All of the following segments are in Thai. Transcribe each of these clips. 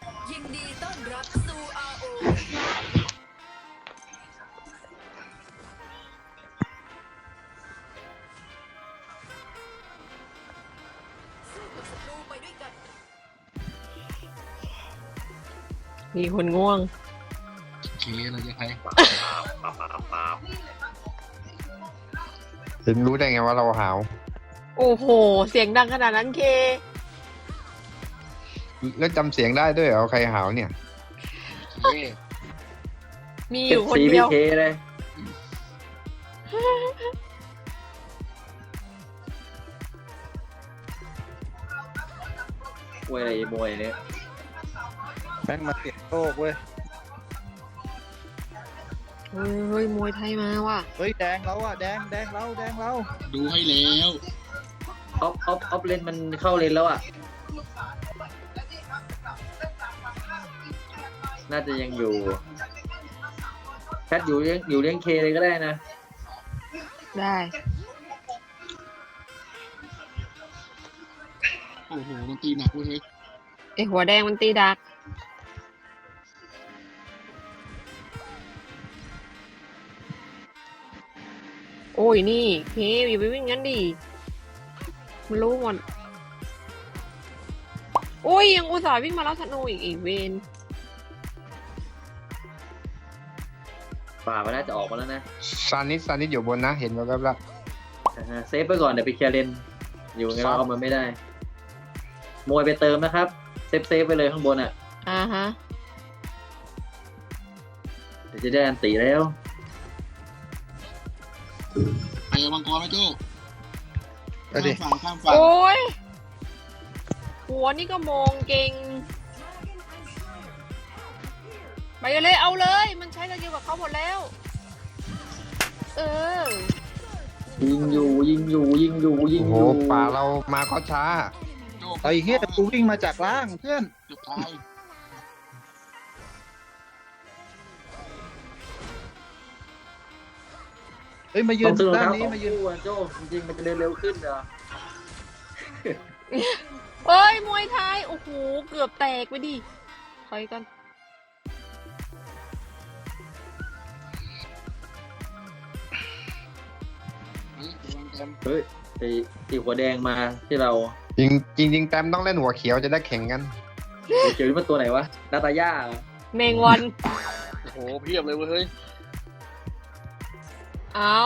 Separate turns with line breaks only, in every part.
ยินดีต้อนรับสู่ ROV สู้กับศัตรูไปด้วยกัน
มีคนง่วง
เคเราจะใคร
ถึงรู้ได้ไงว่าเราหาว
โอ้โห เสียงดังขนาดนั้นเค
แล้วจำเสียงได้ด้วยเหรอใครหาวเนี่ย
เค
มีอ
เก็บ
ยู่คน
สี
เดี
พี่
ยว
เคเลยมวยอะไรมวยเนี่ย
แม่งมาเก็บโลกเว้ย
เฮ้ย มวยไทยมาว่ะ
เฮ้ยแดงเราอะแดงเรา
ดูให้แล้ว
ออฟเลนมันเข้าเลนแล้วอ่ะ น่าจะยังอยู่แพทอยู่เลี้ยงเคเลยก็ได้นะ
ได้
โอ้โหมันตีหนักเว้ยเฮ้ย
ไอหัวแดงมันตีดัก โอ้ยนี่เคอย่าไปวิ่งงั้นดิ มันรู้หมดโอ้ยยังอุตส่าห์วิ่งมาแล้วธนูอีกเวน
ป่ามันน่าจะออกมาแล้วนะ
ซานิสอยู่บนนะ เห็นแวบๆแล้ว
เซฟไปก่อนเดี๋ยวไปเคลียร์เลนอยู่ไง
ครั
เรา
บ
เอามันไม่ได้ มวยไปเติมนะครับ เซฟไปเลยข้างบนอ่ะ
ฮะ
เดี๋ยวจะได้อันตีแล้ว
ไปมังกรไหมโจ้
เอาดิ
ข้ามฝั่ง
โอ้ย หัวนี่ก็มองเก่ง ไปเลยเอาเลย มันใช้สกิลกับเขาหมดแล้ว เออ
ยิงอยู่
โอ้โหป่าเรามาก็ช้า
โจ้
ไอ้เหี้ยกูวิ่งมาจากล่างเพื่อน
เกือบตาย
เฮ้ยมายื
ต้อน งซื้อรอง
ด้าน
เท้า
นี้
ของ
มายืน
คู่อ่ะโจ้จริงๆมันจะเดินเร็วขึ้นเหรอ
เอ้ย มวยไทย โอ้โห เกือบแตกไปดิถอยกัน
เฮ้ยระวังแกม
เฮ้ยไอ้หัวแดงมาที่เรา
จริงแต้มต้องเล่นหัวเขียวจะได้แข่งกัน
เจอนี่มันตัวไหนวะนาตาย่าเหรอ
แมงวัน
โอ้โหเพียบเลยเว้ยเฮ้ย
เอา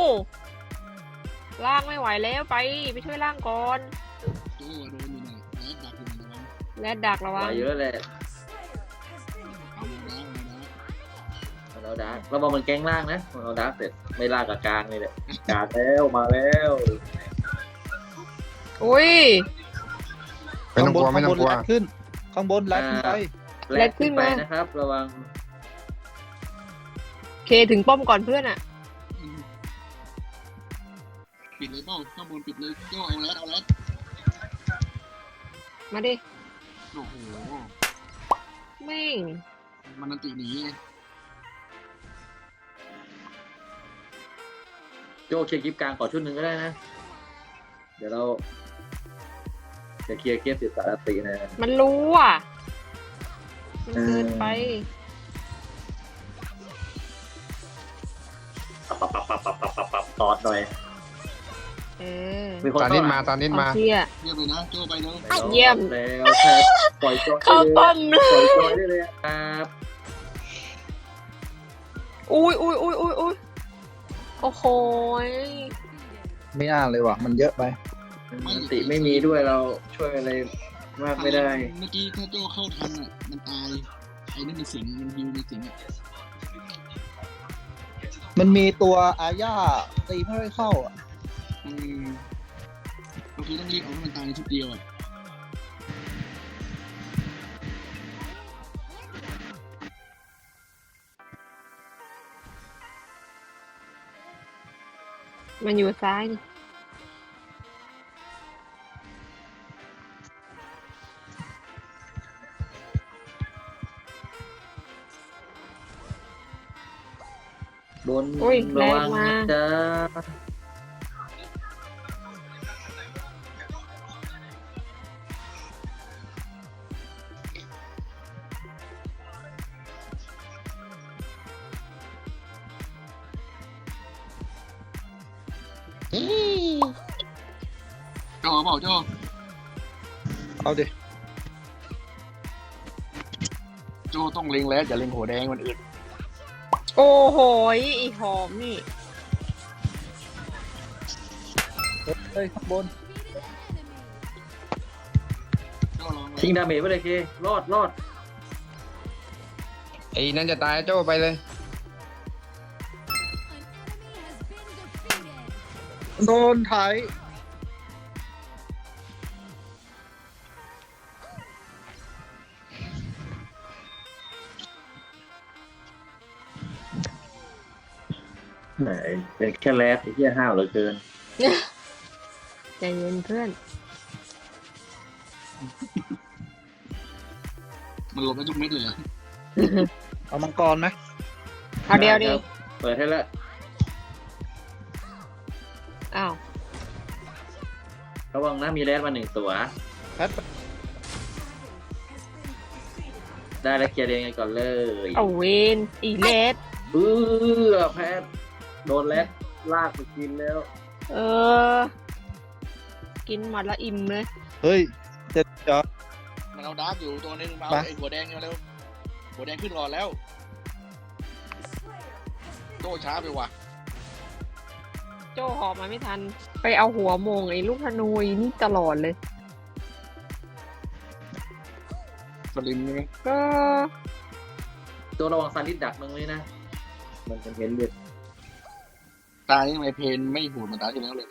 ล่างไม่ไหวแล้วไปช่วยล่างก่อน
โจ้โดนอยู่น่ะแล้วดักอยู่น่ะระวัง
และดักระ
ไหว
วัง
เยอะเลย
เอามาแล้วเอามาแล้ว
เราดาร์กเราบอกมันแก๊งล่างนะเราดาร์กเสร็จไม่ล่างกับกลางเลยแหละกลางแล้วมาแล้ว
อุ้ย
ไม่ต้องกลัวไม่ต้องกลัว
ข้างบนลัดขึ้น ข้างบนลัดขึ้นไป
แลกขึ้นไปนะครับ ระวัง
เคถึงป้อมก่อนเพื่อนอะ
อืมปิดเลยเปล่าข้างบนปิดเลยโจ้เอาแล้ว
มาดิ
โอ้โห
แม่ง
มันนันติหนีไง
โจเคลียร์คลิปกลางขอชุดหนึ่งก็ได้นะ เดี๋ยวเราจะเคลียร์เกมติดสารตินะ
มันรู้อ่ะ มันเกินไป
ปับตอดหน่อย
เออ
มีคน
ซานิสมาซานิส
เอา
มา
เที่ย
เรียบเลยนะโจ้ไปเร็ว
เยี่ยม
แล้วแพทปล่อยจอย
เข้าป้อมเล
ปล่อย
ย
จอยได้เลยครับ
อุ้ยโอ้โหย
ไม่น่าเลยว่ะ มันเยอะไป
อันติไม่มีด้วยเราช่วยอะไรมากไม่ได้
เมื่อกี้ถ้าโจ้เข้าทันอ่ะมันตายไอ้นั่นมันสิงมันฮิวในสิงอ่ะ
มันมีตัวอาญาตีไม่ค่อยเข้าอ่ะ
อืมบางทีต้องรีบเอาให้มันตายในชุดเดียวอ่ะ
มันอยู่ซ้ายนี่
บน
อุ้ยแร
ระ
ง
วัง
มา
นะจ้า
โจ้เปล่าโจ้
เอาดิ
โจ้ต้องเล็งแล้วอย่าเล็งหัวแดงมันอื่น
โอ้โหอีหอมนี่
เฮ้ยข้างบน
โจ้ลอง
ทิ้งดาเมจไปเลยเครอดรอด
ไอ้นั่นจะตายโจ้ไปเลย
โดนไถ
ไหนเป็นแค่แรดไอ้เหี้ยห้าวเหลือเกิน
ใจเย็นเพื่อน
มันหลบได้ทุกเม็ดเลยเหรอ
เอามังกรไหม
เอาเดียวดิ
เปิดให้แล้ว
อ้าว
ระวังนะมีแรดมา1 ตัว
แพท
ได้แล้วเคลียร์เองกันก่อนเลย
เอาเวนอีเลส
แพทโดนแรดลากไปกินแล้ว
เออ กินหมดละอิ่มเลย
เฮ้ยเจ็ดจอ
มันเอาดาร์กอยู่ตัวนึงมา
ไป
เอาไอ้หัวแดงเร็วหัวแดงขึ้นรอแล้วโจ้ช้าไปว่ะ
โจ้หอบมาไม่ทัน ไปเอาหัวโมงไอ้ลูกธนูอีนี่ตลอดเลย
สลิมใช่ไหม
ก็
ตัวระวังซานิสดักตรงนี้นะ มันจะเห็นเลือด
ตานี่ทำไมเพนไม่หูดเหมือนตาที่แล้วเลย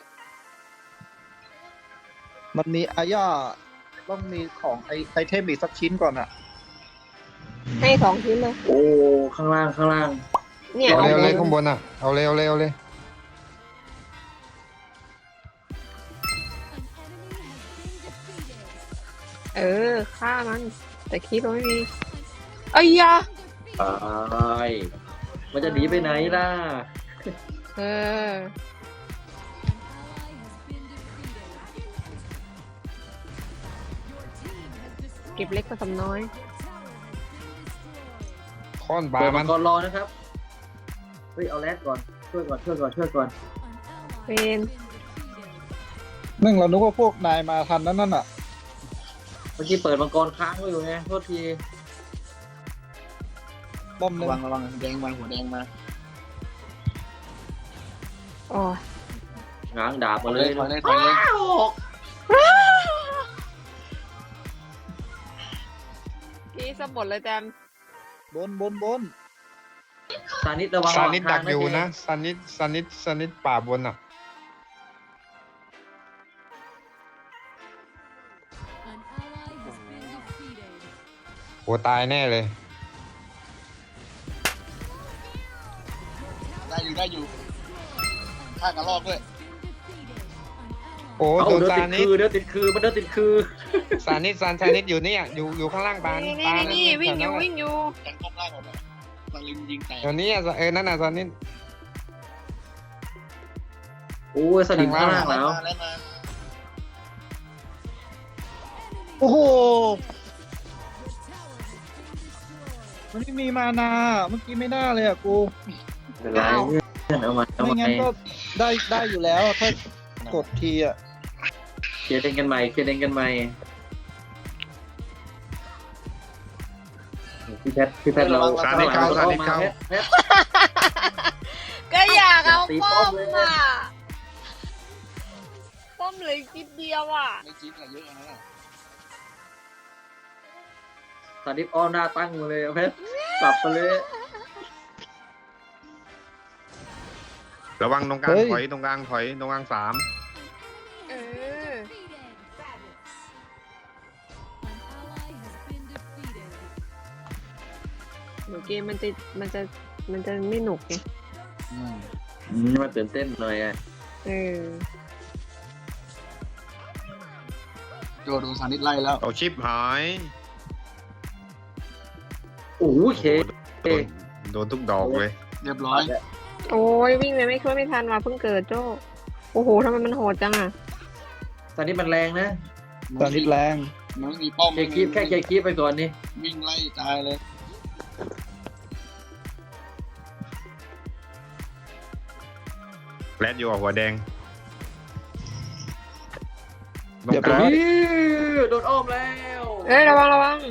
มันมีอาญาต้องมีของไอเทมอีกสักชิ้นก่อนอ่ะ
ให้2 ชิ้นเลย
โอ้ข้างล่าง
เนี่ย
เอา
เอา
เลยเอา
เล
เลย ยข้างบนอ่ะ เอาเลยเอาเลยเอาเลย
เออฆ่ามัน แต่คลิปเราไม่มีเอ้ยยะ
ตายมันจะหนีไปไหนล่ะ
เออ เก็บเล็กผสมน้อย
ค้อนปลา
เปิด
มั
มัน งกรรอนะครับ เฮ้ยเอาแรดก่อน ช่วยก่อน
เป็น
นึ่งเรานึกว่าพวกนายมาทันนั่นน่ะ
เมื่อกี้เปิดมังกรค้างไว้อยู่ไงโทษที
ป้อมหนึ่
ระ
ง
วังแดงมาหัวแดงมา
อ๋อ
ง้างดาบ
ถ
มา
อย
เล
เลย
ย
ถอยเลยถอยเลย
กี้สมบดเลยแจม
บน
ซานิสระวัง
ซานิดดัก
ทาง
อยู่นะ
เ
ซานิดป่าบนอ่ะโหตายแน่เลย
ได้อยู่ฆ่ากระรอกด้วย
โอ้
เอา
โดน
เดิน
ซา
ติด
นิด
คือเดินติดคือมันเดินติดคือ
ซานิดอยู่เนี่ยอยู่ข้างล่างปาน
นี่
ปาน
นี่วิ่งอยู่วิ่งอยู่
แทงป้อมล่างหมดเลยสลิมยิงแตก
เดี๋ยวนี้นั่นน่ะซานิด
โอ้ยสลิมข้างล่างแล้ว
แล้วมา
โอ้โห มันไม่มีมานาเมื่อกี้ไม่น่าเลยอ่ะกู
เป็นไรเพื่อนเอามา
ไม่งั้นก็ได้อยู่แล้วถ้ากดทีอ่ะ
เคลียร์เองกันใหม่พี่แพทเรา
ซานิดเข้า
แพท
ก็อยากเอา
ตี
ป้
ป้
อ
อ
ม
มเลย
อ่ะ ป้อมเหลยนิดเดียวอ่ะ
ไม่จิ๊บอะเยอะนะ
ซานิสอ้อมหน้าตั้งมาเลยแพทกลับไปเลย
ระวังตรงกลาง
เฮ้ย
ถอยตรงกลาง3
เออเดี๋ยวเกมมันจะไม่หนุกไง
มาตื่นเต้นหน่อยอ่ะ
เออ
โจโดนซานิดไล่แล้ว
เอาชิปหาย
โอ้โหเค
โดนทุกดอกเลย
เรียบร้อย
โอ้ยวิ่งเลยไม่ช่วยไม่ทันว่ะเพิ่งเกิดโจ้โอ้โหทำไมมันโหดจังอ่ะ
ซานิสมันแรงนะ
ตอนนี้แรง
มันไม่มีป้อม
เคลียร์แค่เคลียร์คีบไปก่อนนี่
วิ่งไล่ตายเลย
แรดอยู่กับหัวแดงตรงกลาง
โดนอ้อมแล้ว
เอ้ยระวังระวัง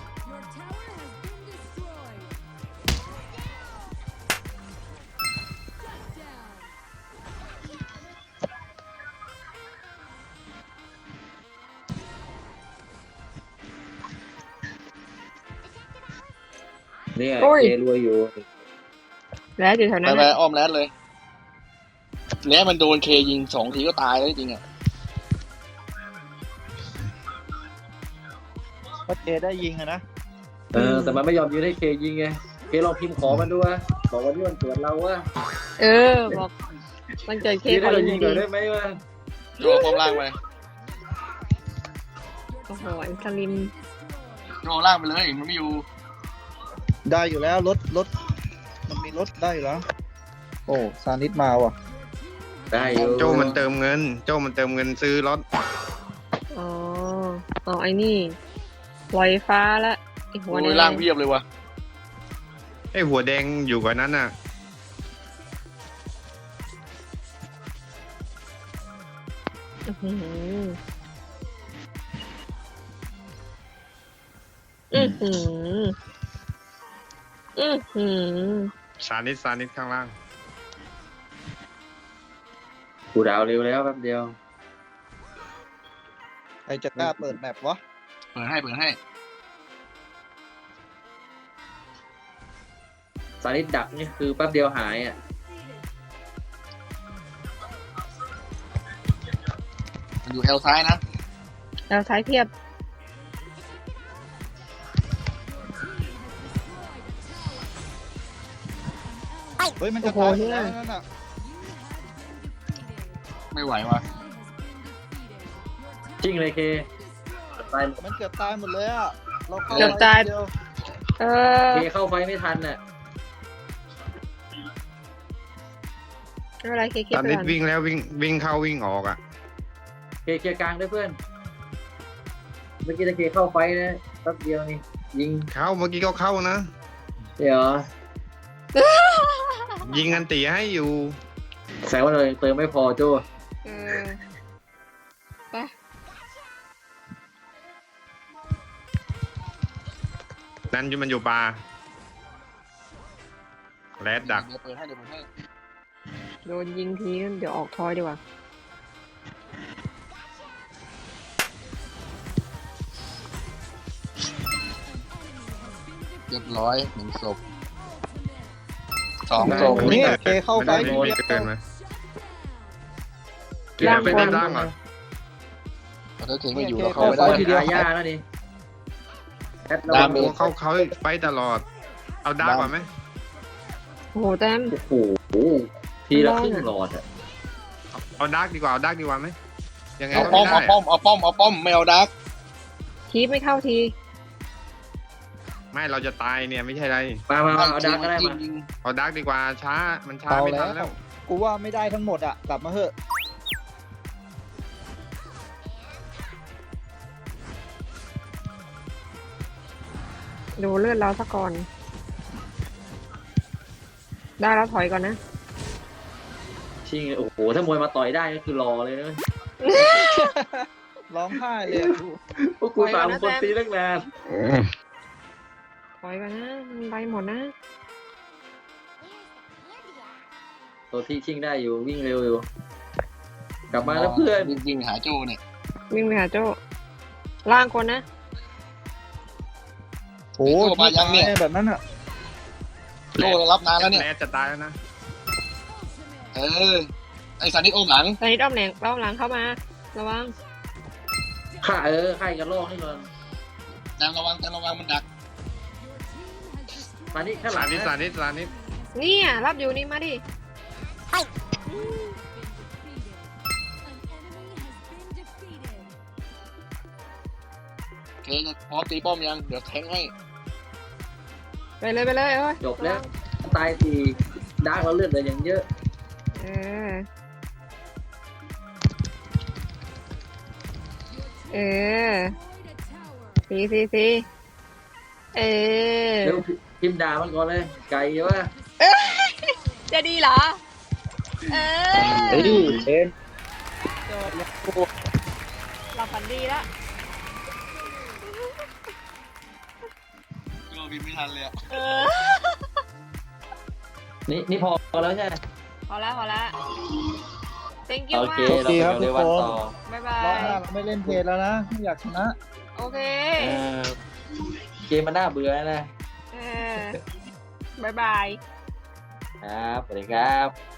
เนี่ย
โอ้ย
เจรวยอยู่
แล้วอยู่แถว
ไป
นั้น
ไป
น่ะ
อ้อมแรดเลยแรดมันโดนเคยิง2 ทีก็ตายแล้วจริงๆอ่ะ
ก็เจได้ยิงอะนะ
แต่มันไม่ยอมยืนให้เคยิงไงเคลองพิมพ์ขอมันดูวะบอกวันนี้วันเกิดเราวะ
เออบอกมันเกิดเค
ยืน
ข
ให้
อ
เรา
ยิ
ยิ
ง
งหน่
ดี
อยได้ไหมวะ
โจป้อมล่างไป
โอ้โหอันสลิม
โจล่างไปเลยมันไม่อยู่
ได้อยู่แล้วรถมันมีรถได้อยู่แล้ว โอ้ซานิดมาว่ะ
ได้อยู่
โจมันเติมเงิน โจมันเติมเงินซื้อรถ
อ๋อเอาไอ้นี่ลอยฟ้าละไอ้หัว
โอ้
แด
ยล่างเพียบเลยวะ
ไอ้หัวแดงอยู่กว่านั้นน่ะ
อื้อหืออื้อหืออื้อหือ
ซานิดข้างล่าง
กูดาวเร็วแล้วแป๊บเดียว
ใครจะกล้าเปิดแมปวะ
เปิดให้
สาริดดักนี่คือแป๊บเดียวหายอ่ะ
มันอยู่แอลซ้ายนะ
แล้วท้ายเทียบ
เฮ้ยมันจะ
โอ้
ตาย
โห
อยู่แล้วนั่นน่ะ
ไม่ไหววะ
จริงเลยเคตาย
มันเกือบตายหมดเลยอ่ะเราเข้า
เกือบตาย
เดียว
เออ
เคเข้าไฟไม่ทันน่ะ
ไม่เป็นไรเค
ซา
ไป
นิด
ก่อน
วิ่งแล้ววิ่งเข้าวิ่งออกอ่ะ
เคลียร์กลางด้วยเพื่อน เมื่อกี้ตะเคเข้าไฟนะแป๊บเดียวนี่ยิง
เข้าเมื่อกี้ก็เข้านะ
เดี๋ยว
ยิงอันตีให้อยู่
แซวเลยเติมไม่พอโจ้
เออไป
นั่นมันอยู่ปลาแรดดัก
เดี๋ยวเปิดให้
โดนยิงทีเดี๋ยวออกทอยดีกว่า
เรียบร้อย1 ศพ 2 ศพ
เนี่ยเคเข้าไฟ
ไม่
ที
ได้
เดียว
เกินไหม
ล่าง
เป็น
บน
ล่างเหรอ
ถ้าเทงไม่อยู่เราเข้าไม่ได้
ทีเดียวหายาแล้วนี่แอด
ดาม
เรา
เมจ
เขาไปตลอด เอาดาร์กก่อนไหม
โอ้โหแต้ม
โอ้โหทีละครึ่งหลอดอ่ะ
เอาดาร์กดีกว่าเอาดาร์กดีกว่าไหมยังไง
เอา
ก็
ป้อ
ไม่
ม
ได้
เอาป้อมไม่เอาดัก
ทีไม่เข้าที
ไม่เราจะตายเนี่ยไม่ใช่ไร
มาเอาดักก็ได้มา
ยิง
เอาดาร์กดีกว่าช้ามันช้า
เอา
ไม่
แล้
ทันแล้ว ว
กูว่าไม่ได้ทั้งหมดอ่ะกลับมาเถอะ
ดูเลือดเราซะก่อน ได้แล้วถอยก่อนนะ
ชิงโอ้โหถ้ามวยมาต่อยได้ก็คือรอเลยนะ
ร้องไห้เลยอะ
พวกกูตามคนตีตั้งนาน
ถอยก่อนนะมันไปหมดนะ
ตัวที่ชิงได้อยู่วิ่งเร็วอยู่ กลับมาแล้วเพื่อน
ยิงหาโจเนี่ย
วิ่งไปหาโจ้ล่างคนนะ
โอ้ยตายแบบนั้นอ่ะ
โจรับนานแล้วเนี่ย
แรดจะตายแล้วนะ
ไอ้สันนิษโอมหลัง
ตอนนี้ด้อมหลังเข้ามา ระวัง
ฆ่าฆ่ากันลอกให้ก่อน
แตมระวังมันดัก
มานี่ข้างหลั
สาง นิด
นะ
สานิดสานิด
เนี่ยรับอยู่นี่มาดิ
เคจะพร้อมตีป้อมยังเดี๋ยวแทงให้
ไปเลยเอ้ย
จบแล้วตายทีดาร์กเราเลือดเหลืออย่างเยอะ
เออ เออสีเออ
เร็วพิมพ์ด่ามันก่อนเลยไก่เยอะ
จะดีเหรอ เออ
เฮ้ยเอ็น
หลับฝันดีละ
โยบินไม่ทันเลยอะ
เออ
นี่พอแล้วใช่ไหม
พอแล้วพอแล้ว thank you
โอ
มา
เค
ก
เราไปดูในวันต่อ
บ๊ายบาร
อบหน้า
ย
เราไม่เล่นเพลแล้วนะไม่อยากชนะ
โอเค
เออเกมมันน่าเบื่อนะ
เออบ๊ายบาย
ครับสวัสดีครับ